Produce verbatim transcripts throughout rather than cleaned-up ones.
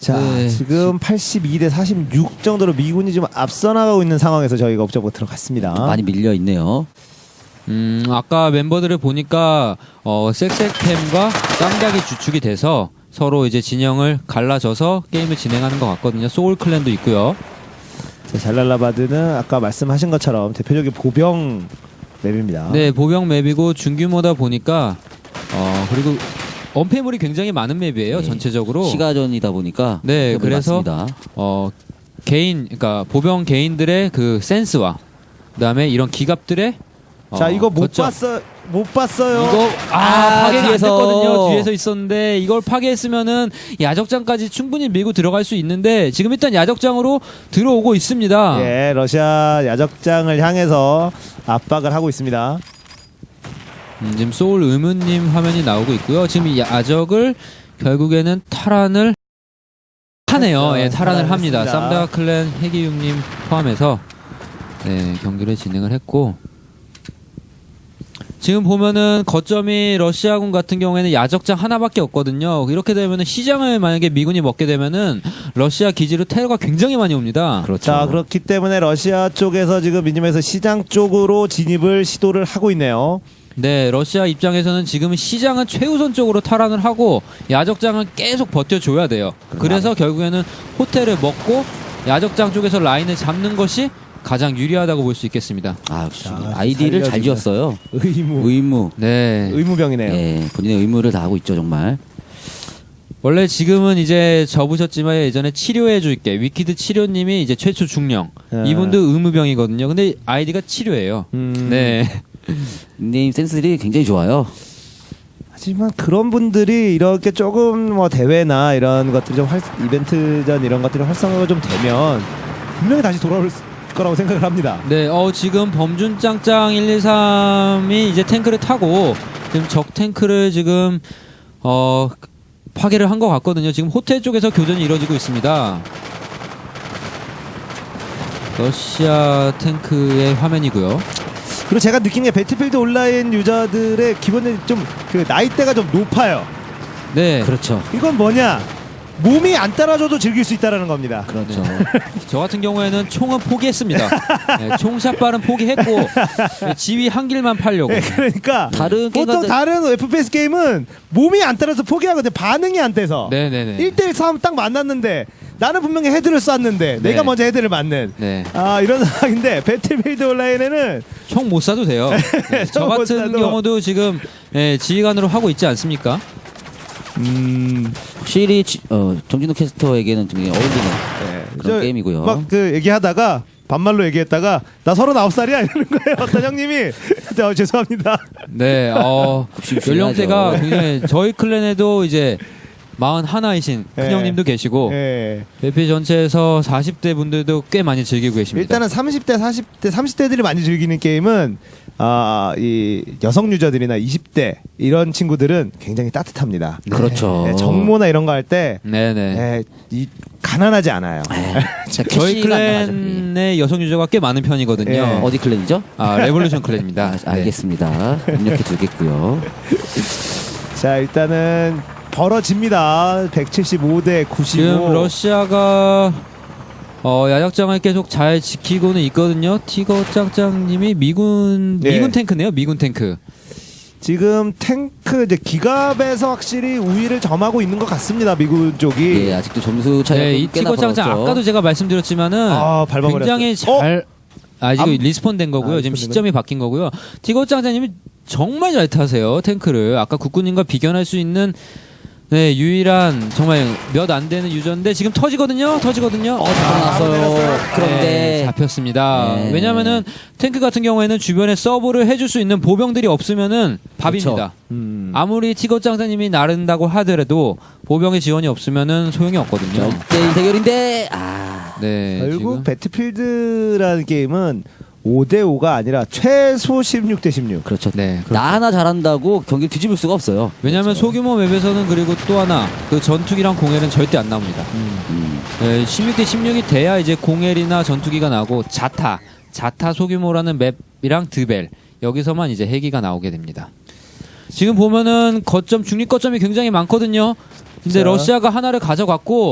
자, 네. 지금 팔십이 대 사십육 정도로 미군이 좀 앞서 나가고 있는 상황에서 저희가 옵저버 들어갔습니다. 많이 밀려 있네요. 음, 아까 멤버들을 보니까 어, 섹섹템과 쌍닭이 주축이 돼서 서로 이제 진영을 갈라져서 게임을 진행하는 것 같거든요. 소울 클랜도 있고요. 자, 잘랄라바드는 아까 말씀하신 것처럼 대표적인 보병 맵입니다. 네, 보병 맵이고 중규모다 보니까 어, 그리고 언패물이 굉장히 많은 맵이에요. 네. 전체적으로. 시가전이다 보니까 네, 그래서 많습니다. 어, 개인, 그러니까 보병 개인들의 그 센스와 그다음에 이런 기갑들의 자, 어, 이거 못 거점. 봤어, 못 봤어요. 이거 아, 아, 파괴가 뒤에서. 안 됐거든요. 뒤에서 있었는데 이걸 파괴했으면은 야적장까지 충분히 밀고 들어갈 수 있는데 지금 일단 야적장으로 들어오고 있습니다. 예, 러시아 야적장을 향해서 압박을 하고 있습니다. 음, 지금 소울 의문님 화면이 나오고 있고요. 지금 이 야적을 결국에는 탈환을 하네요. 했어요. 예, 탈환을 합니다. 탈환했습니다. 쌈다 클랜 해기육님 포함해서 네, 경기를 진행을 했고. 지금 보면은 거점이 러시아군 같은 경우에는 야적장 하나밖에 없거든요. 이렇게 되면은 시장을 만약에 미군이 먹게 되면은 러시아 기지로 테러가 굉장히 많이 옵니다. 그렇죠. 자, 그렇기 때문에 러시아 쪽에서 지금 미니맵에서 시장 쪽으로 진입을 시도를 하고 있네요. 네, 러시아 입장에서는 지금 시장은 최우선적으로 탈환을 하고 야적장은 계속 버텨줘야 돼요. 그래서 결국에는 호텔을 먹고 야적장 쪽에서 라인을 잡는 것이 가장 유리하다고 볼 수 있겠습니다. 아, 자, 아이디를 잘 살려주면. 지었어요. 의무, 의무. 네. 의무병이네요. 예, 본인의 의무를 다하고 있죠, 정말. 원래 지금은 이제 접으셨지만 예전에 치료해줄게 위키드 치료님이 이제 최초 중령 아. 이분도 의무병이거든요. 근데 아이디가 치료예요. 음. 네. 닉네임 센스들이 굉장히 좋아요. 하지만 그런 분들이 이렇게 조금 뭐 대회나 이런 것들이 좀 활, 이벤트전 이런 것들이 활성화가 좀 되면 분명히 다시 돌아올 거라고 생각을 합니다. 네, 어, 지금 범준짱짱 일일삼이 이제 탱크를 타고 지금 적 탱크를 지금 어 파괴를 한 것 같거든요. 지금 호텔 쪽에서 교전이 이루어지고 있습니다. 러시아 탱크의 화면이고요. 그리고 제가 느낀 게 배틀필드 온라인 유저들의 기본적인 좀 그 나이대가 좀 높아요. 네, 그렇죠. 이건 뭐냐? 몸이 안 따라줘도 즐길 수 있다는 겁니다. 그렇죠. 저 같은 경우에는 총은 포기했습니다. 네, 총샷발은 포기했고 네, 지휘 한 길만 팔려고. 네, 그러니까 다른 보통 게임과는- 다른 에프피에스 게임은 몸이 안 따라서 포기하거든요. 반응이 안 돼서. 네네네. 일 대일 싸움 딱 만났는데 나는 분명히 헤드를 쐈는데 네. 내가 먼저 헤드를 맞는 네. 아 이런 상황인데 배틀필드 온라인에는 총 못 쏴도 돼요. 네, 저 총못 같은 쏴도. 경우도 지금 예, 지휘관으로 하고 있지 않습니까? 음 확실히 지- 어, 정진우 캐스터에게는 굉장히 어울리는 네. 그런 저 게임이고요. 막 그 얘기하다가 반말로 얘기했다가 나 서른아홉 살이야 이러는 거예요. 어떤 형님이 저, 죄송합니다. 네, 어, 굽신굽신하죠. 연령대가 굉장히 저희 클랜에도 이제 마흔하나이신 네. 큰형님도 계시고 예. 에피 전체에서 사십 대 분들도 꽤 많이 즐기고 계십니다. 일단은 삼십 대, 사십 대, 삼십 대들이 많이 즐기는 게임은 아, 이 여성 유저들이나 이십 대 이런 친구들은 굉장히 따뜻합니다. 그렇죠. 네, 정모나 이런 거 할 때 네네. 네, 이 가난하지 않아요. 진짜 저희 캐시가 안 나가죠. 클랜의 여성 유저가 꽤 많은 편이거든요. 예. 어디 클랜이죠? 아, 레볼루션 클랜입니다. 아, 알겠습니다. 입력해 두겠고요. 자, 일단은 벌어집니다. 백칠십오 대 구십오. 지금 러시아가 어, 야적장을 계속 잘 지키고는 있거든요. 티거 짱짱님이 미군 네. 미군 탱크네요. 미군 탱크. 지금 탱크 이제 기갑에서 확실히 우위를 점하고 있는 것 같습니다. 미군 쪽이. 예, 아직도 점수 차이가 네, 이 좀 꽤나 티거 짱짱 벌었죠. 아까도 제가 말씀드렸지만은 아, 밟아버렸어요. 굉장히 어? 잘 아, 지금 암- 리스폰 된 거고요. 아, 지금 리스폰 된 시점이 바뀐 거고요. 티거 짱짱님이 정말 잘 타세요. 탱크를. 아까 국군님과 비견할 수 있는 네, 유일한 정말 몇 안 되는 유저인데 지금 터지거든요. 터지거든요. 어, 잡아놨어요. 그런데 네, 잡혔습니다. 네. 왜냐하면은 탱크 같은 경우에는 주변에 서브를 해줄 수 있는 보병들이 없으면은 밥입니다. 그렇죠. 음. 아무리 티거 짱짱님이 나른다고 하더라도 보병의 지원이 없으면은 소용이 없거든요. 일대일 대결인데 아 네, 결국 지금. 배틀필드라는 게임은 오 대 오가 아니라 최소 십육 대 십육. 그렇죠. 네. 나 하나 잘한다고 경기를 뒤집을 수가 없어요. 왜냐하면 소규모 맵에서는 그리고 또 하나 그 전투기랑 공헬은 절대 안 나옵니다. 음. 네, 십육 대 십육이 돼야 이제 공헬이나 전투기가 나오고 자타, 자타 소규모라는 맵이랑 드벨 여기서만 이제 해기가 나오게 됩니다. 지금 보면은 거점 중립 거점이 굉장히 많거든요. 근데 자. 러시아가 하나를 가져갔고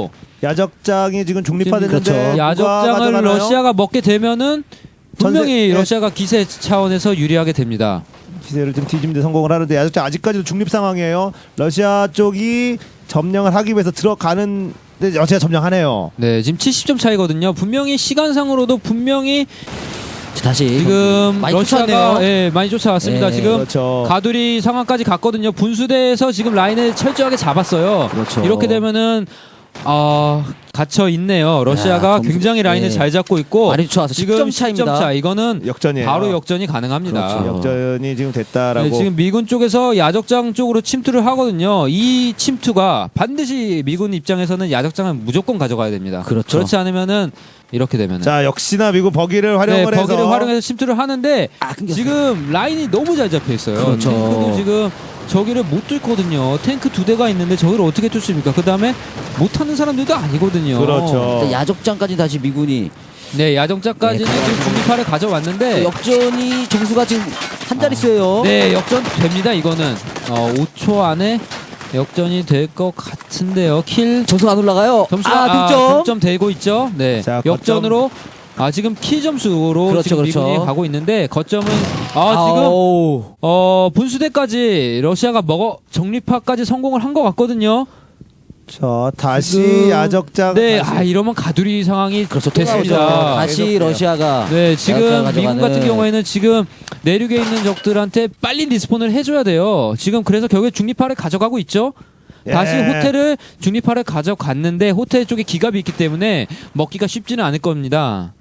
야적장이 지금 중립화됐는데 그렇죠. 누가 야적장을 가져가나요? 러시아가 먹게 되면은 분명히 전세- 예. 러시아가 기세 차원에서 유리하게 됩니다. 기세를 좀 뒤집는 데 성공을 하는데 야적장 아직까지도 중립 상황이에요. 러시아 쪽이 점령을 하기 위해서 들어가는 데 러시아 점령하네요. 네, 지금 칠십 점 차이거든요. 분명히 시간상으로도 분명히 다시 지금 많이 러시아가 쫓아왔네요. 예, 많이 쫓아왔습니다. 예, 지금 그렇죠. 가두리 상황까지 갔거든요. 분수대에서 지금 라인을 철저하게 잡았어요. 그렇죠. 이렇게 되면은 아 갇혀 있네요. 러시아가 야, 점수- 굉장히 라인을 예. 잘 잡고 있고 많이 쫓아와서 지금 십 점 십 점 차입니다. 차. 이거는 역전이에요. 바로 역전이 가능합니다. 그렇죠. 역전이 지금 됐다라고. 네, 지금 미군 쪽에서 야적장 쪽으로 침투를 하거든요. 이 침투가 반드시 미군 입장에서는 야적장을 무조건 가져가야 됩니다. 그렇죠. 그렇지 않으면은 이렇게 되면은 자 역시나 미국 버기를 네, 활용을 해서 버기를 활용해서 침투를 하는데 아, 끊겼어요. 지금 라인이 너무 잘 잡혀 있어요. 그렇죠. 탱크도 지금 저기를 못 뚫거든요. 탱크 두 대가 있는데 저기를 어떻게 뚫습니까? 그 다음에 못하는 사람들도 아니거든요. 그렇죠. 일단 야적장까지 다시 미군이 네, 야정자까지는 네, 지금 중립파를 가져왔는데 역전이 점수가 지금 한 자릿수예요. 네, 역전 됩니다. 이거는 어, 오 초 안에 역전이 될 것 같은데요. 킬 점수가 안 올라가요. 점수가 아, 아, 득점. 동점 되고 있죠. 네, 자, 역전으로 아 지금 키 점수로 그렇죠, 지금 그렇죠. 미군이 가고 있는데 거점은 아 지금 아오. 어 분수대까지 러시아가 먹어 정립화까지 성공을 한 것 같거든요. 자 다시 지금- 야적장. 네, 다시- 아 이러면 가두리 상황이 그렇죠. 또 됐습니다. 나오죠. 다시 계속해요. 러시아가 네, 지금 야적장을 미군 같은 가져가는- 경우에는 지금 내륙에 있는 적들한테 빨리 리스폰을 해줘야 돼요. 지금 그래서 결국에 중립파를 가져가고 있죠. 예. 다시 호텔을 중립파를 가져갔는데 호텔 쪽에 기갑이 있기 때문에 먹기가 쉽지는 않을 겁니다.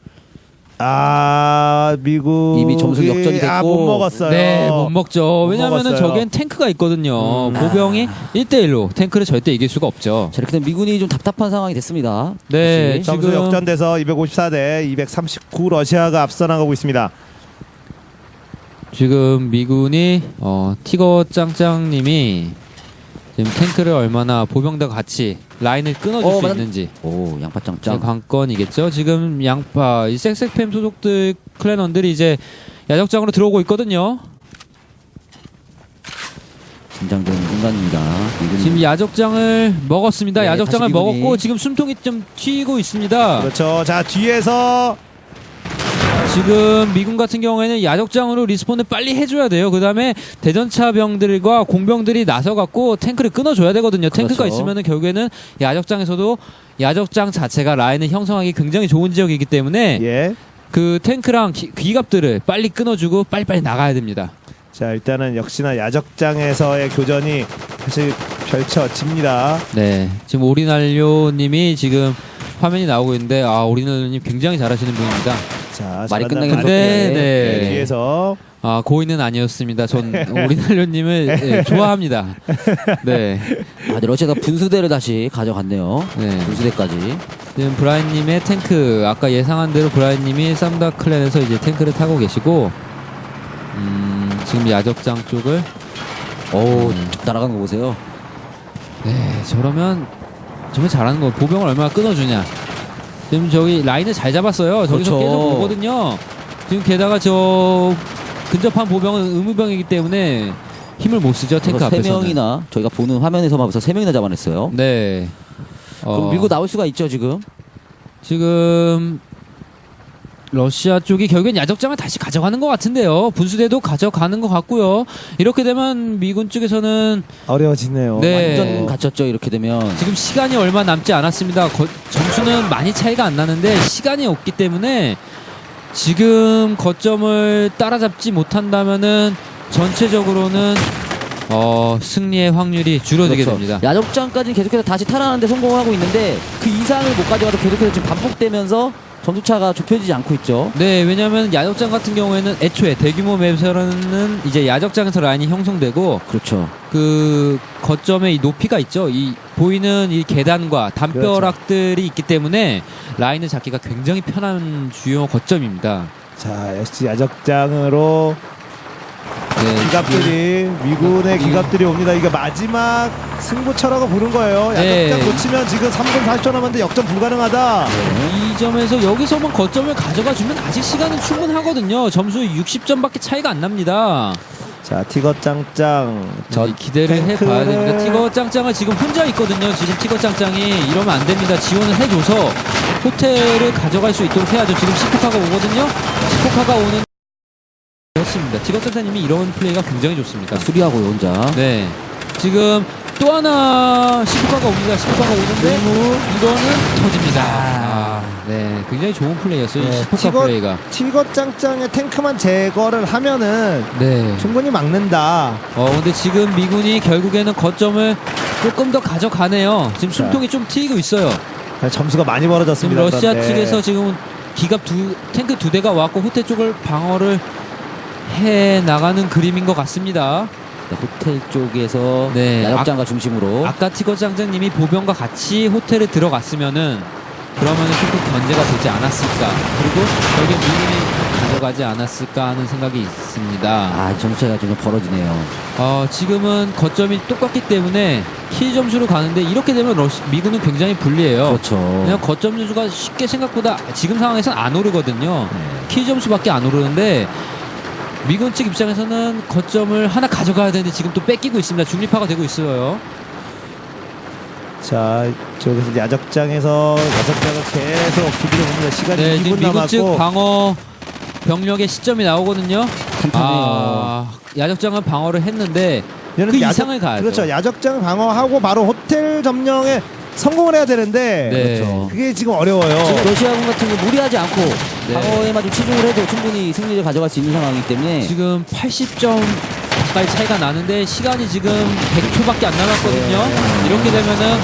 아 미국 이미 점수 역전이 됐고. 아못 먹었어요. 네, 못 먹죠. 못 왜냐하면 먹었어요. 저기엔 탱크가 있거든요. 음. 보병이 일 대일로 탱크를 절대 이길 수가 없죠. 자, 이렇게 되면 미군이 좀 답답한 상황이 됐습니다. 네, 다시. 점수 지금- 역전돼서 이백오십사 대 이백삼십구 러시아가 앞서 나가고 있습니다. 지금 미군이 어, 티거 짱짱님이 지금 탱크를 얼마나 보병과 같이 라인을 끊어줄 어, 수 맞- 있는지 오, 제 양파짱짱. 관건이겠죠. 지금 양파 이 섹섹팸 소속들 클랜원들이 이제 야적장으로 들어오고 있거든요. 긴장되는 순간입니다. 미군이. 지금 야적장을 먹었습니다. 네, 야적장을 다시 미군이. 먹었고 지금 숨통이 좀 튀고 있습니다. 그렇죠. 자 뒤에서 지금 미군 같은 경우에는 야적장으로 리스폰을 빨리 해줘야 돼요. 그 다음에 대전차 병들과 공병들이 나서갖고 탱크를 끊어줘야 되거든요. 탱크가 그렇죠. 있으면은 결국에는 야적장에서도 야적장 자체가 라인을 형성하기 굉장히 좋은 지역이기 때문에 예. 그 탱크랑 기, 기갑들을 빨리 끊어주고 빨리빨리 나가야 됩니다. 자 일단은 역시나 야적장에서의 교전이 다시 펼쳐집니다. 네, 지금 오리날료님이 지금 화면이 나오고 있는데 아 오리날료님 굉장히 잘하시는 분입니다. 자 말이 잘한다. 끝나긴 반대. 네, 네, 네. 뒤에서 아 고인은 아니었습니다. 전 오리날료님을 예, 좋아합니다. 네, 아, 네, 러시아가 분수대를 다시 가져갔네요. 네. 분수대까지. 지금 브라인님의 탱크 아까 예상한 대로 브라인님이 쌈다 클랜에서 이제 탱크를 타고 계시고 음, 지금 야적장 쪽을 오, 음. 쭉 날아가는 거 보세요. 네 저러면 정말 잘하는 거 보병을 얼마나 끊어주냐. 지금 저기 라인을 잘 잡았어요. 저기서 그렇죠. 계속 오거든요. 지금 게다가 저 근접한 보병은 의무병이기 때문에 힘을 못 쓰죠. 탱크 그래서 세 앞에서는. 명이나 저희가 보는 화면에서만 봐서 세 명이나 잡아냈어요. 네. 그럼 어, 밀고 나올 수가 있죠 지금. 지금 러시아 쪽이 결국엔 야적장을 다시 가져가는 것 같은데요. 분수대도 가져가는 것 같고요. 이렇게 되면 미군 쪽에서는 어려워지네요. 네. 완전 갇혔죠 이렇게 되면. 지금 시간이 얼마 남지 않았습니다. 거- 점수는 많이 차이가 안 나는데 시간이 없기 때문에 지금 거점을 따라잡지 못한다면은 전체적으로는 어, 승리의 확률이 줄어들게 그렇죠. 됩니다. 야적장까지 계속해서 다시 탈환하는데 성공하고 있는데 그 이상을 못 가져가도 계속해서 지금 반복되면서 점수차가 좁혀지지 않고 있죠. 네, 왜냐하면 야적장 같은 경우에는 애초에 대규모 맵에서는 이제 야적장에서 라인이 형성되고 그렇죠. 그 거점의 이 높이가 있죠. 이 보이는 이 계단과 담벼락들이 있기 때문에 라인을 잡기가 굉장히 편한 주요 거점입니다. 자 역시 야적장으로 네, 기갑들이 미군의 이- 기갑들이 옵니다. 이게 마지막 승부처라고 부른 거예요. 네. 야적장 놓치면 지금 삼 분 사십 초 남았는데 역전 불가능하다. 이 점에서 여기서만 거점을 가져가 주면 아직 시간은 충분하거든요. 점수 육십 점밖에 차이가 안 납니다. 자, 티거 짱짱. 저 전 기대를 탱크를- 해봐야 됩니다. 티거 짱짱은 지금 혼자 있거든요. 지금 티거 짱짱이 이러면 안 됩니다. 지원을 해줘서 호텔을 가져갈 수 있도록 해야죠. 지금 시포카가 오거든요. 시포카가 오는 했습니다. 티거 짱짱님이 이런 플레이가 굉장히 좋습니다. 수리하고요 혼자. 네. 지금 또 하나 시포카가 옵니다. 시포카가 오는데 이거는 터집니다. 아, 네. 굉장히 좋은 플레이였어요. 이 네, 시포카 티거- 플레이가. 티거 짱짱의 탱크만 제거를 하면은 네. 충분히 막는다. 어 근데 지금 미군이 결국에는 거점을 조금 더 가져가네요. 지금 숨통이 좀 트이고 있어요. 점수가 많이 지금 벌어졌습니다. 러시아 그런데. 측에서 지금 기갑 두 탱크 두 대가 왔고 호텔 쪽을 방어를 해 나가는 그림인 것 같습니다. 네, 호텔 쪽에서 네, 야적장과 중심으로. 아까 티거 장장님이 보병과 같이 호텔에 들어갔으면은 그러면은 조금 견제가 되지 않았을까. 그리고 결국 미군이 가져가지 않았을까 하는 생각이 있습니다. 아, 점수차가 좀 벌어지네요. 어, 지금은 거점이 똑같기 때문에 킬 점수로 가는데 이렇게 되면 러시, 미군은 굉장히 불리해요. 그렇죠. 그냥 거점 점수가 쉽게 생각보다 지금 상황에서는 안 오르거든요. 네. 킬 점수밖에 안 오르는데 미군 측 입장에서는 거점을 하나 가져가야 되는데 지금 또 뺏기고 있습니다. 중립화가 되고 있어요. 자, 이쪽에서 이제 야적장에서 야적장을 계속 수비를 봅니다. 시간이 네, 이 지금 분 미군 측 남았고. 방어 병력의 시점이 나오거든요. 탄탄해요. 아, 야적장은 방어를 했는데 얘는 그 야적- 이상을 가야죠. 그렇죠. 야적장 방어하고 바로 호텔 점령에 성공을 해야 되는데 네. 그렇죠. 그게 지금 어려워요. 지금 러시아군 같은 경우 무리하지 않고 네. 방어에만 좀 치중을 해도 충분히 승리를 가져갈 수 있는 상황이기 때문에 지금 팔십 점 가까이 차이가 나는데 시간이 지금 백 초밖에 안 남았거든요. 네. 이렇게 되면은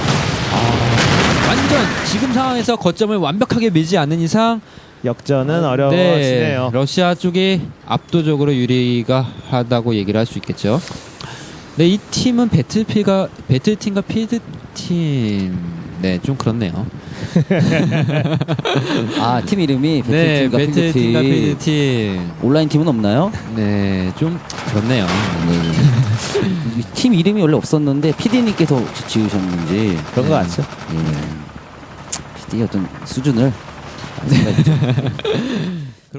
아, 완전 지금 상황에서 거점을 완벽하게 밀지 않는 이상 역전은 네, 어려워지네요. 러시아 쪽이 압도적으로 유리가 하다고 얘기를 할 수 있겠죠. 네, 이 팀은 배틀피가 배틀팀과 필드팀 네, 좀 그렇네요. 아, 팀 이름이 네, 배틀팀과 배틀팀과 필드팀. 필드팀. 온라인 팀은 없나요? 네, 좀 그렇네요. 네. 이팀 이름이 원래 없었는데 피디님께서 지으셨는지 그런 거 같죠. 예. 피디의 어떤 수준을 안 생각이 좀